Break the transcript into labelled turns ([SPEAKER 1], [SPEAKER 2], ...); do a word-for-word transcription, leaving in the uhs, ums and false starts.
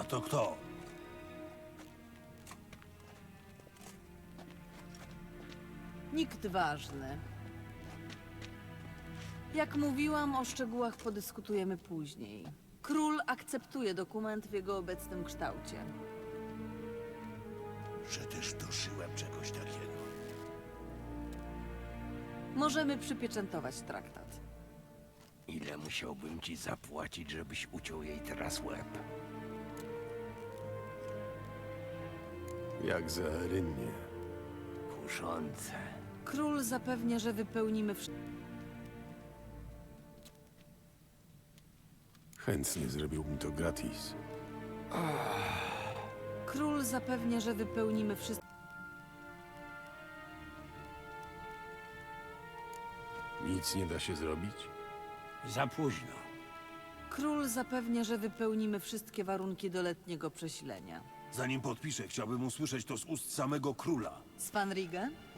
[SPEAKER 1] A to kto?
[SPEAKER 2] Nikt ważny. Jak mówiłam, o szczegółach podyskutujemy później. Król akceptuje dokument w jego obecnym kształcie.
[SPEAKER 1] Że też doszyłem czegoś takiego.
[SPEAKER 2] Możemy przypieczętować traktat.
[SPEAKER 3] Ile musiałbym ci zapłacić, żebyś uciął jej teraz łeb?
[SPEAKER 4] Jak za rynnie.
[SPEAKER 3] Kuszące.
[SPEAKER 2] Król zapewnia, że wypełnimy wszystko.
[SPEAKER 4] Chętnie zrobiłbym to gratis.
[SPEAKER 2] Król zapewnia, że wypełnimy wszystko.
[SPEAKER 4] Nic nie da się zrobić?
[SPEAKER 3] Za późno.
[SPEAKER 2] Król zapewnia, że wypełnimy wszystkie warunki do letniego przesilenia.
[SPEAKER 1] Zanim podpiszę, chciałbym usłyszeć to z ust samego króla.
[SPEAKER 2] Svanrige?